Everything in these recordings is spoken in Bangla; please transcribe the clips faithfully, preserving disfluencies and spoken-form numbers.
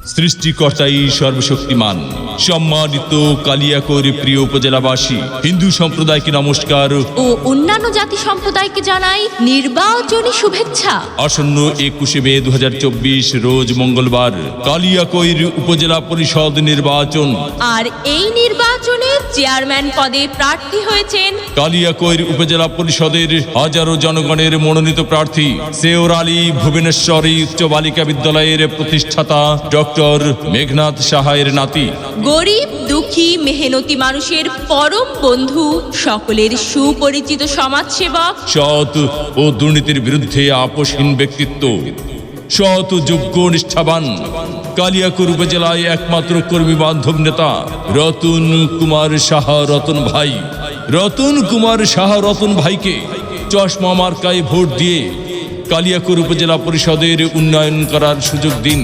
সৃষ্টিকর্তাই সর্বশক্তিমান। সম্মানিত কালিয়াকৈর প্রিয় উপজেলাবাসী, হিন্দু সম্প্রদায়কে নমস্কার ও অন্যান্য জাতি সম্প্রদায়কে জানাই নির্বাচনী শুভেচ্ছা। আসন্ন একুশে মে দু হাজার চব্বিশ রোজ মঙ্গলবার কালিয়াকৈর উপজেলা পরিষদ নির্বাচন। আর এই নির্বাচনে চেয়ারম্যান পদে প্রার্থী হয়েছেন কালিয়াকৈর উপজেলা পরিষদের হাজারো জনগণের মনোনীত প্রার্থী সেওর আলী ভুবনেশ্বরী উচ্চ বালিকা বিদ্যালয়ের প্রতিষ্ঠাতা ডক্টর মেঘনাথ সাহায়ের নাতি। গরিব দুঃখী মেহনতি মানুষের পরম বন্ধু, সকলের সুপরিচিত সমাজসেবক, সৎ ও দুর্নীতির বিরুদ্ধে আপোষহীন ব্যক্তিত্ব, সৎ ও যোগ্য নিষ্ঠাবান কালিয়াকৈর উপজেলায় একমাত্র কর্মী বান্ধব নেতা রতন কুমার সাহা রতন ভাই। রতন কুমার সাহা রতন ভাইকে চশমা মার্কায় ভোট দিয়ে কালিয়াকৈর উপজেলা পরিষদের উন্নয়ন করার সুযোগ দিন।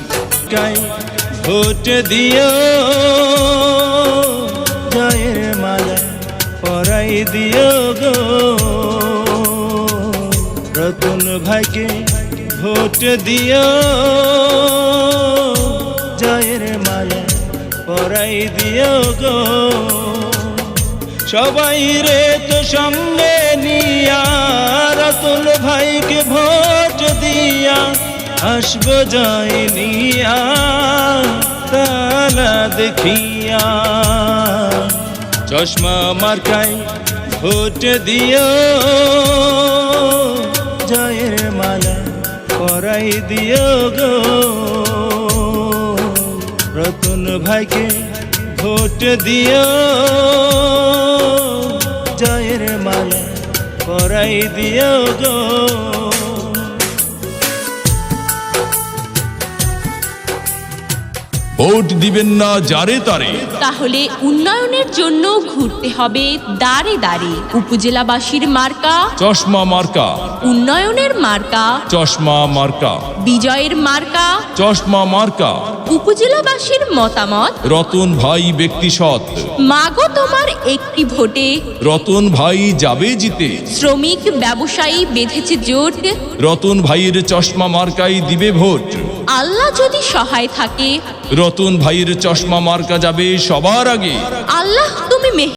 ভোট দিও, জয়ের মালা পরাই দিও গো রতন ভাইকে। ভোট দিও, জয়ের মালা পরাই দিও গো। সবাই রে তো সঙ্গে নিয়া রতন ভাইকে ভোট দিয়া আসবো জয় নিয়া তালা দেখিয়া। চশমা মার্কাই ভোট দিও, জয়ের মালা পরাই দিও গো রতন ভাইকে। ভোট দিও, জয়ের মালা পরাই দিও গো। ভোট দিবেন না যারে তারে, তাহলে উন্নয়নের জন্য ঘুরতে হবে দাঁড়ে দাঁড়ে। উপজেলাবাসীর মার্কা চশমা মার্কা, উন্নয়নের মার্কা চশমা মার্কা, বিজয়ের মার্কা চশমা মার্কা। উপজেলাবাসীর মতামত রতন ভাই ব্যক্তি সৎ, মাগো তোমার একটি ভোটে। রতন ভাই যাবে জিতে। শ্রমিক ব্যবসায়ী বেঁধেছে জোট, রতন ভাইয়ের চশমা মার্কাই দিবে ভোট। আল্লাহ যদি সহায় থাকে রতন ভাইয়ের চশমা মার্কা যাবে সবার আগে। আল্লাহ তুমি মেহ